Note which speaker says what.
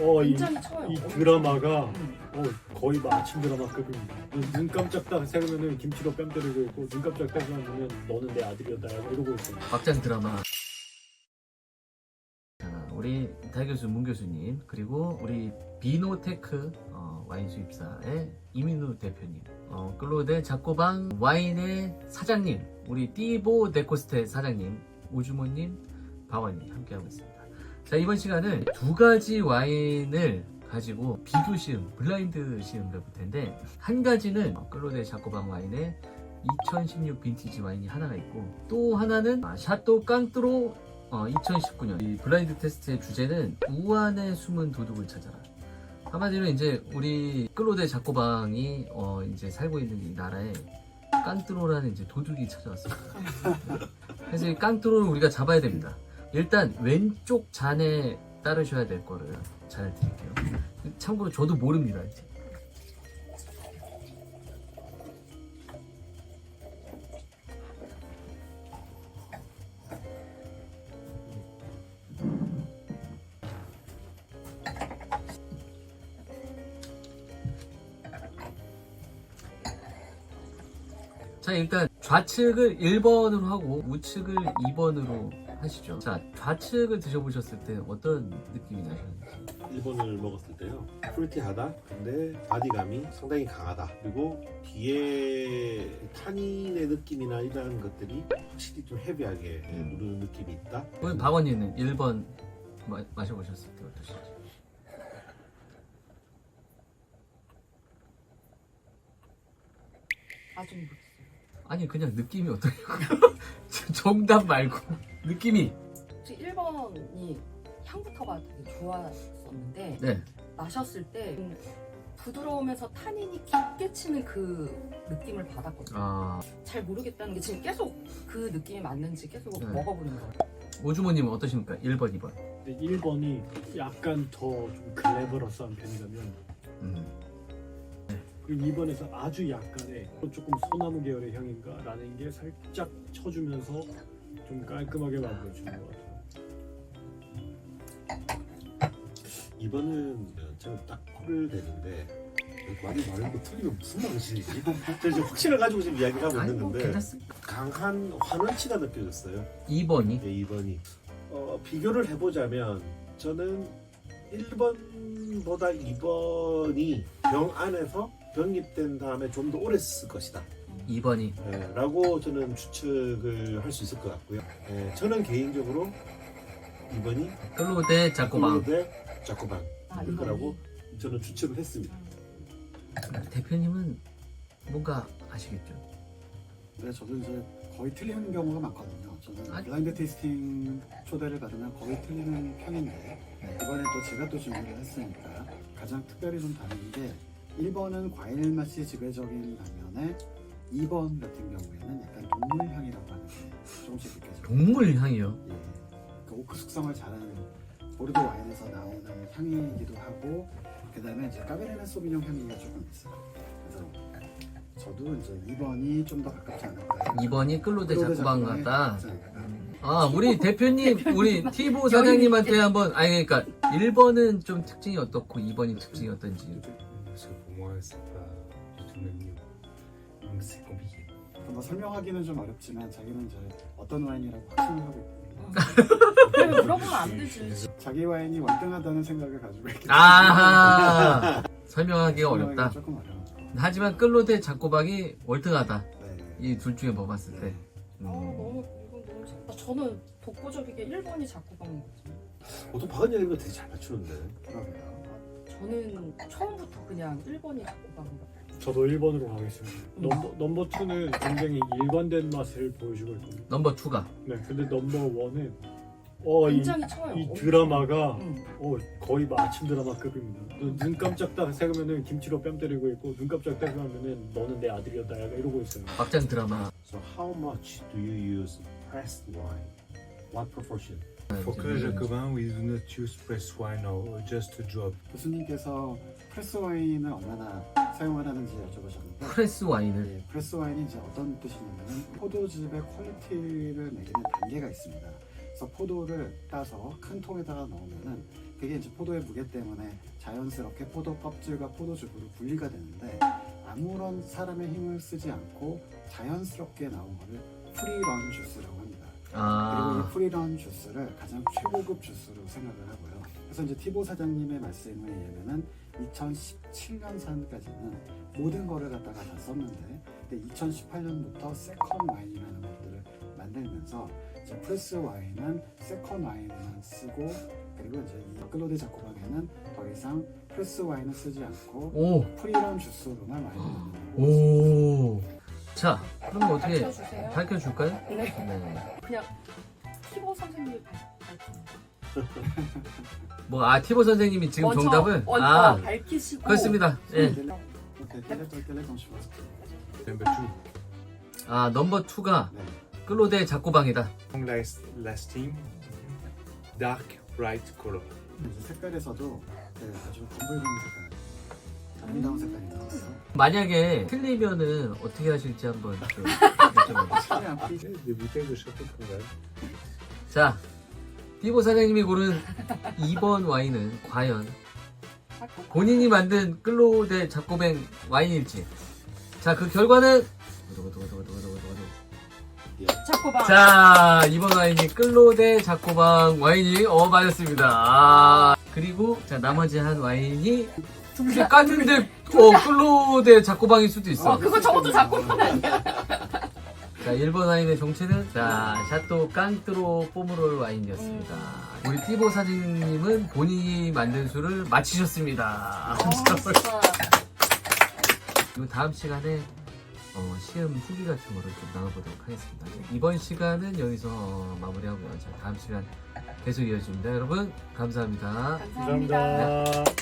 Speaker 1: 굉장히 쳐요.
Speaker 2: 이 드라마가 거의 뭐 아침 드라마급입니다. 눈 깜짝 딱 세우면은 김치로 뺨 때리고 있고, 눈 깜짝 딱 세우면은 너는 내 아들이었다 이러고 있어요.
Speaker 3: 막장 드라마. 자, 우리 달 교수, 문 교수님, 그리고 우리 비노테크 와인 수입사의 이민우 대표님, 클로데 자코방 와인의 사장님, 우리 띠보 데코스테 사장님, 오주모님, 바원님 함께하고 있습니다. 자, 이번 시간은 두 가지 와인을 가지고 비교 시음, 블라인드 시음을 해볼 텐데, 한 가지는 클로데 자코방 와인의 2016 빈티지 와인이 하나가 있고, 또 하나는 샤또 깡뚜로 2019년. 이 블라인드 테스트의 주제는 우한의 숨은 도둑을 찾아라. 한마디로 이제 우리 클로데 자코방이 이제 살고 있는 이 나라에 깡뚜로라는 이제 도둑이 찾아왔습니다. 그래서 이 깡뚜로를 우리가 잡아야 됩니다. 일단 왼쪽 잔에 따르셔야 될 거를 잘 드릴게요. 참고로 저도 모릅니다. 이제. 자, 일단 좌측을 1번으로 하고 우측을 2번으로 하시죠. 자, 좌측을 드셔보셨을 때 어떤 느낌이 나셨는지.
Speaker 4: 1번을 먹었을 때요, 프루티하다. 근데 바디감이 상당히 강하다. 그리고 뒤에 타닌의 느낌이나 이런 것들이 확실히 좀 헤비하게 누르는 느낌이 있다.
Speaker 3: 우리 박원님은 1번 마셔보셨을 때 어떠신지.
Speaker 1: 아직 모르겠어요.
Speaker 3: 아니, 그냥 느낌이 어떠냐고. 정답 말고 느낌이.
Speaker 1: 혹시 1번이 향부터가 되게 좋았었는데
Speaker 3: 네.
Speaker 1: 마셨을 때 부드러우면서 타닌이 깊게 치는 그 느낌을 받았거든요. 잘 모르겠다는 게 지금 계속 그 느낌이 맞는지 계속
Speaker 3: 네.
Speaker 1: 먹어보는 거예요.
Speaker 3: 오주모님은 어떠십니까? 1번, 2번.
Speaker 2: 근데 1번이 약간 더 좀 글래버러스한 편이라면, 그리고 2번에서 아주 약간의 조금 소나무 계열의 향인가 라는 게 살짝 쳐주면서 좀 깔끔하게 만들어주는 것 같아요.
Speaker 4: 2번은 제가 딱 코를 대는데 말이 말고 틀리면 무슨 말이지? 제가 지금 확신을 가지고 지금 이야기를 하고 있는데
Speaker 3: 괜찮습니다.
Speaker 4: 강한 환원치가 느껴졌어요.
Speaker 3: 2번이?
Speaker 4: 네, 2번이. 비교를 해보자면 저는 1번보다 2번이 병 안에서 병입된 다음에 좀 더 오래 쓸 것이다
Speaker 3: 2번이.
Speaker 4: 라고 저는 추측을 할 수 있을 것 같고요. 저는 개인적으로 2번이
Speaker 3: 클로데 자코방.
Speaker 4: 자코방
Speaker 1: 아,
Speaker 4: 일 거라고 저는 추측을 했습니다.
Speaker 3: 대표님은 뭔가 아시겠죠?
Speaker 5: 네, 저도 이제 거의 틀리는 경우가 많거든요. 저는
Speaker 3: 아,
Speaker 5: 블라인드 테이스팅 초대를 받으면 거의 틀리는 편인데 이번에 또 제가 또 준비를 했으니까 가장 특별히 좀 다른 게 1번은 과일 맛이 지배적인 반면에 2번 같은 경우에는 약간 동물 향이라고 하는 게 조금씩 느껴져요.
Speaker 3: 동물 향이요?
Speaker 5: 예, 그 오크 숙성을 잘하는 보르도 와인에서 나오는 향이기도 하고, 그 다음에 이제 까베르네 소비뇽 향기가 조금 있어요. 그래서 저도 이제 2번이 좀 더 가깝지 않을까.
Speaker 3: 2번이 클로데 자코방
Speaker 5: 자코방에
Speaker 3: 같다.
Speaker 5: 가깝지 않을까.
Speaker 3: 우리 대표님, 우리 티보 사장님한테 한번, 그러니까 1번은 좀 특징이 어떻고 2번이 특징이 어떤지.
Speaker 4: Pour moi, c'est pas du tout le même niveau. Donc c'est compliqué.
Speaker 5: 뭐 설명하기는 좀 어렵지만 자기는 이제 어떤 와인이라고 확신을 하고 있거든요.
Speaker 1: 왜 물어보면 안 되지.
Speaker 5: 자기 와인이 월등하다는 생각을 가지고 있기 때문에
Speaker 3: 아하! 설명하기가
Speaker 5: 설명하기가
Speaker 3: 어렵다.
Speaker 5: 조금 어려워.
Speaker 3: 하지만 클로데 자코방이 월등하다.
Speaker 5: 네.
Speaker 3: 이 둘 중에 뭐 봤을 때.
Speaker 1: 너무 이건 너무 재밌다. 저는 독보적이게 1번이 자꾸방이거든요.
Speaker 4: 보통 박은 이런 거 되게 잘 맞추는데.
Speaker 5: 그러게요.
Speaker 1: 저는 처음부터 그냥 1번이 자꾸방이거든요.
Speaker 2: 저도 1번으로 가겠습니다. 넘버 2는 굉장히 일관된 맛을 보여주고 있거든요.
Speaker 3: 넘버 2가.
Speaker 2: 네, 근데 넘버 1은
Speaker 1: 굉장히 쳐요.
Speaker 2: 이 드라마가
Speaker 1: 응.
Speaker 2: 거의 뭐 아침 드라마급입니다. 눈 깜짝 딱 세우면은 김치로 뺨 때리고 있고, 눈 깜짝 딱 세우면은 너는 내 아들이었다 이러고 있어요.
Speaker 3: 막장 드라마.
Speaker 4: So how much do you use pressed wine? What proportion?
Speaker 6: For Clos Jacobin, we do not use pressed wine or just a drop.
Speaker 5: 교수님께서 프레스 와인을 얼마나 사용을 하는지 여쭤보셨는데,
Speaker 3: 프레스 와인을.
Speaker 5: 네, 프레스 와인이 이제 어떤 뜻이냐면은 포도즙의 퀄리티를 매기는 단계가 있습니다. 그래서 포도를 따서 큰 통에다가 넣으면은 그게 이제 포도의 무게 때문에 자연스럽게 포도 껍질과 포도즙으로 분리가 되는데 아무런 사람의 힘을 쓰지 않고 자연스럽게 나온 거를 프리런 주스라고 합니다. 그리고 이 프리런 주스를 가장 최고급 주스로 생각을 하고요. 그래서 이제 티보 사장님의 말씀에 의하면은 2017년산까지는 모든 거를 갖다가 다 썼는데, 근데 2018년부터 세컨 와인이라는 것들을 만들면서 이제 프레스 와인은 세컨 와인만 쓰고, 그리고 이제 이 클로데 자코방에는 더 이상 프레스 와인을 쓰지 않고
Speaker 3: 오.
Speaker 5: 프리런 주스로만 와인을 만든다고
Speaker 3: 오. 자, 그럼 어떻게
Speaker 1: 밝혀주세요.
Speaker 3: 밝혀줄까요?
Speaker 1: 네.
Speaker 3: 네.
Speaker 1: 그냥 티보 선생님이 밝히는
Speaker 3: 티보 선생님이 지금
Speaker 1: 먼저
Speaker 3: 정답을
Speaker 1: 밝히시고
Speaker 3: 그렇습니다. 예.
Speaker 5: 오케이, 텔레톤 슈퍼스.
Speaker 6: Number 2.
Speaker 3: 넘버 2가
Speaker 5: 네.
Speaker 3: 클로데 자코방이다.
Speaker 6: Long lasting, dark, bright color.
Speaker 5: 이제 색깔에서도 아주 검붉은 색깔, 아름다운 색깔이 나왔어요.
Speaker 3: 만약에 틀리면은 어떻게 하실지 한번 좀 여쭤봐주세요.
Speaker 5: 최대한
Speaker 6: Des bouteilles de Château Congal.
Speaker 3: 자, 티보 사장님이 고른 2번 와인은 과연 본인이 만든 클로데 자코뱅 와인일지. 자, 그 결과는
Speaker 1: 자코방.
Speaker 3: 자, 이번 와인이 클로데 자코방 와인이 맞았습니다. 그리고 자, 나머지 한 와인이 이게 깠는데 클로데 자코방일 수도 있어.
Speaker 1: 그거 저것도 자코방 아니야?
Speaker 3: 자, 1번 와인의 정체는 샤또 깡뜨로 포무롤 와인이었습니다. 우리 티보 사장님은 본인이 만든 술을 마치셨습니다. 그리고 다음 시간에 시험 후기 같은 거를 좀 나눠보도록 하겠습니다. 이번 시간은 여기서 마무리하고요. 자, 다음 시간 계속 이어집니다. 여러분, 감사합니다.
Speaker 1: 감사합니다.
Speaker 2: 감사합니다.